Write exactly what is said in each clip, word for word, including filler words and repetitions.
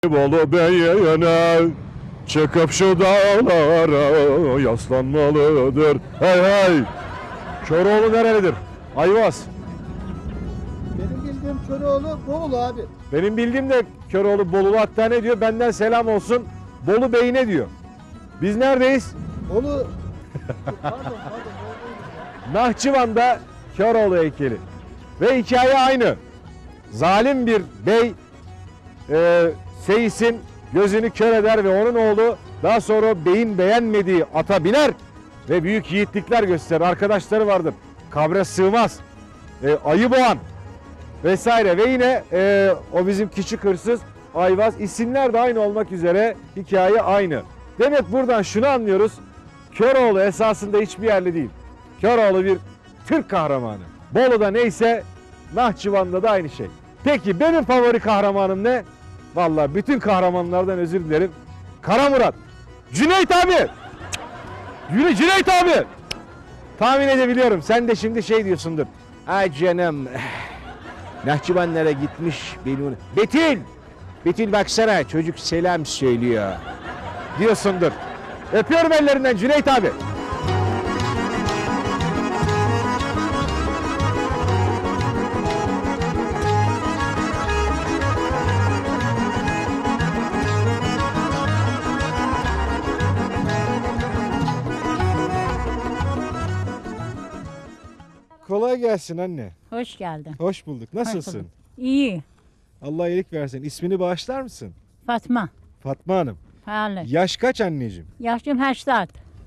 Bolu beyine çıkıp şu dağlara yaslanmalıdır. Hey hey! Köroğlu nerelidir? Ayvaz. Benim bildiğim Köroğlu Bolu abi. Benim bildiğim de Köroğlu Bolulu, hatta ne diyor? Benden selam olsun Bolu beyine diyor. Biz neredeyiz? Bolu... pardon pardon. Nahçıvan'da Köroğlu heykeli. Ve hikaye aynı. Zalim bir bey e, Seyis'in gözünü kör eder ve onun oğlu daha sonra beyin beğenmediği ata biner ve büyük yiğitlikler gösterir. Arkadaşları vardır. Kabre sığmaz. E, ayı boğan vesaire ve yine e, o bizim küçük hırsız Ayvaz, isimler de aynı olmak üzere hikaye aynı. Demek buradan şunu anlıyoruz. Köroğlu esasında hiçbir yerli değil. Köroğlu bir Türk kahramanı. Bolu'da neyse Nahçıvan'da da aynı şey. Peki benim favori kahramanım ne? Vallahi bütün kahramanlardan özür dilerim. Kara Murat. Cüneyt abi. Yürü Cüneyt abi. Tahmin edebiliyorum. Sen de şimdi şey diyorsundur. Ay canım. Nahçıvanlara gitmiş benim. Betül. Betül baksana çocuk selam söylüyor. Diyorsundur. Öpüyorum ellerinden Cüneyt abi. Kolay gelsin anne. Hoş geldin. Hoş bulduk. Nasılsın? Hoş bulduk. İyi. Allah iyilik versin. İsmini bağışlar mısın? Fatma. Fatma Hanım. Halı. Yaş kaç anneciğim? Yaşım seksen.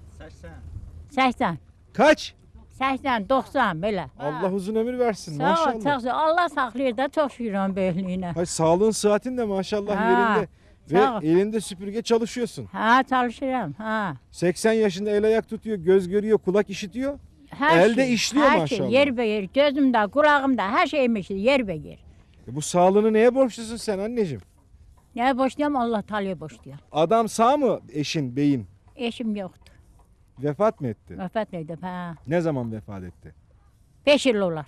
seksen. Kaç? seksen, doksan böyle. Allah uzun ömür versin Sağ ol, maşallah. sağ ol. Allah saklıyor da çok şükür böyleliğine. Hay sağlığın sıhhatin de maşallah Ha, yerinde. sağ ol. Ve elinde süpürge çalışıyorsun. Ha çalışırım. Ha. seksen yaşında el ayak tutuyor, göz görüyor, kulak işitiyor. Her Elde işliyor her maşallah. Şey, yer be yer. Gözümde, kulağımda her şeyim işte yer be yer. E bu sağlığını neye borçlusun sen anneciğim? Ne boşluyorum Allah Teala'ya boşluyor. Adam sağ mı eşin, beyin? Eşim yoktu. Vefat mı etti? Vefat ettim. Ha. Ne zaman vefat etti? Beş yıl olar.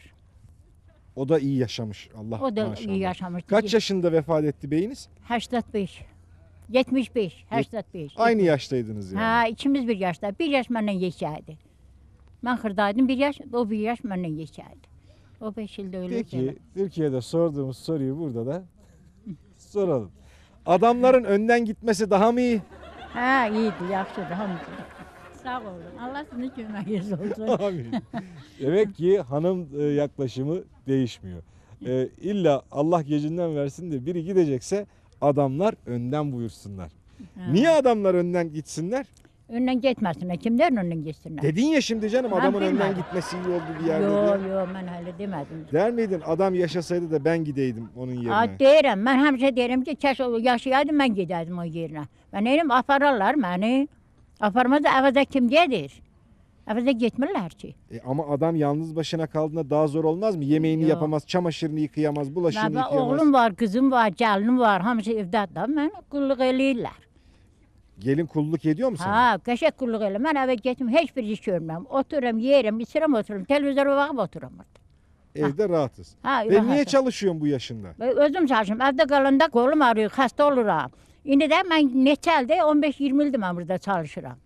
O da iyi yaşamış Allah O da maşallah. iyi yaşamıştı. Kaç yaşında vefat etti beyiniz? seksen beş. yetmiş beş. seksen beş. Aynı yaştaydınız yani. Ha, ikimiz bir yaşta. Bir yaş benden geçerdi. Ben hırdaydım bir yaş, o bir yaş benden geçerdi. O beş yılda öyle. Peki Türkiye'de sorduğumuz soruyu burada da soralım. Adamların önden gitmesi daha mı iyi? Ha iyiydi, yaxşıdır, hamdülillah. Sağ olun. Allah sizin köməyiniz olsun. Amin. Demek ki hanım e, yaklaşımı değişmiyor. E, illa Allah gecinden versin de biri gidecekse adamlar önden buyursunlar. Ha. Niye adamlar önden gitsinler? Önden gitmesinler. Kimlerin önden gitsinler? Dedin ya şimdi canım Ben adamın önden bilmedim. gitmesi iyi oldu bir yerde Yo diye. yo ben öyle demedim. Der miydin adam yaşasaydı da ben gideydim onun yerine? Ha, deyirəm, mən həmişə deyirəm ki, kəş o yaşayaydım mən gedərdim o yerinə. Mən neyim apararlar məni. Aparmaz da əvəzə kim gedir? Əvəzə getmirlər ki. E ama adam yalnız başına kaldığında daha zor olmaz mı? Yemeğini Yok. yapamaz, çamaşırını yıkayamaz, bulaşığını Mən yıkayamaz. oğlum var, kızım var, gəlinim var, hamısı evdədir. Mən qulluq eləyirlər. Gelin kulluk ediyor mu sana? Ha, qəşəng qulluq elə. Mən evə getməm, heç bir iş görmürəm. Otururam, yeyirəm, içirəm, otururam. Televizora baxıb otururam orada. Evde rahatız. Ha, Ve niye rahatım. çalışıyorsun bu yaşında? Və Özüm çalışıram. Evdə qalanda qolum ağrıyor, xəstə oluram. İndi də mən neçə ildir, on beş iyirmi ildir mən burada çalışıram.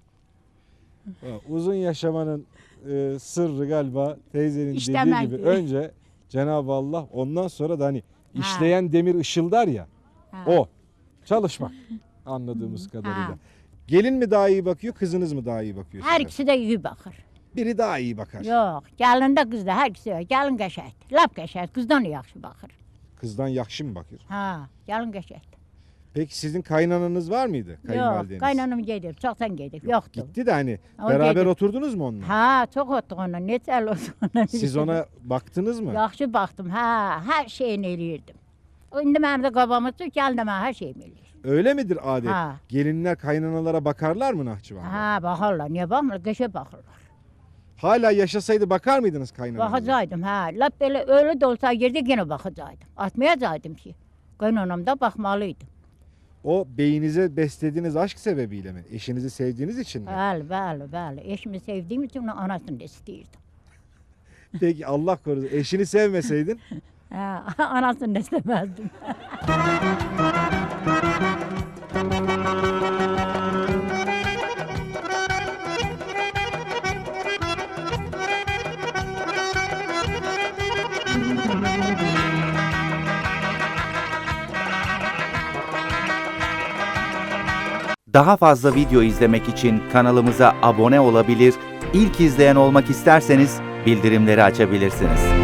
Ha, uzun yaşamanın e, sırrı galiba teyzenin İşlemek dediği gibi diyor. önce Cenab-ı Allah, ondan sonra da hani işleyen demir ışıldar ya, Ha. o çalışmak anladığımız kadarıyla. Ha. Gelin mi daha iyi bakıyor, kızınız mı daha iyi bakıyor Hər size? ikisi də iyi baxır. Biri daha iyi bakar. Yox, gəlin də qız da, hər ikisi də. Gəlin qəşəngdir, lap qəşəng, qızdan yaxşı baxır. Kızdan yakşı mı bakır? Ha, gəlin qəşəngdir. Peki sizin kaynananız var mıydı? Yox, Kayınvalideniz? qaynanam gedib, çoxdan gedib, yoxdur. Gitti de hani O beraber gedib. oturdunuz mu onunla? Ha, çox otduq onunla, neçə il oldu ona. Siz ona baktınız mı? Yaxşı baxdım, ha, hər şeyini eləyirdim. İndi mənim də qabamı tut, gəlin də mən hər şeyimi eləyir. Öyle midir adet? Ha. Gelinler kaynanalara bakarlar mı Nahçıvan'da? Ha, baxarlar, niyə baxmırlar, qəşəng baxırlar. Hala yaşasaydı bakar mıydınız kaynananıza? Baxacaqdım, ha, lap belə ölü də olsa yerdə yenə baxacaqdım. Atmayacaqdım ki. Qaynanam da baxmalıydı. O beyinize beslediğiniz aşk sebebiyle mi? Eşinizi sevdiğiniz için mi? Bəli, bəli, bəli. Eşimi sevdiyim üçün anasını da istəyirdim. Peki Allah korusun. Eşini sevmeseydin Ha, anasını da istəməzdim. Daha fazla video izlemek için kanalımıza abone olabilir, ilk izleyen olmak isterseniz bildirimleri açabilirsiniz.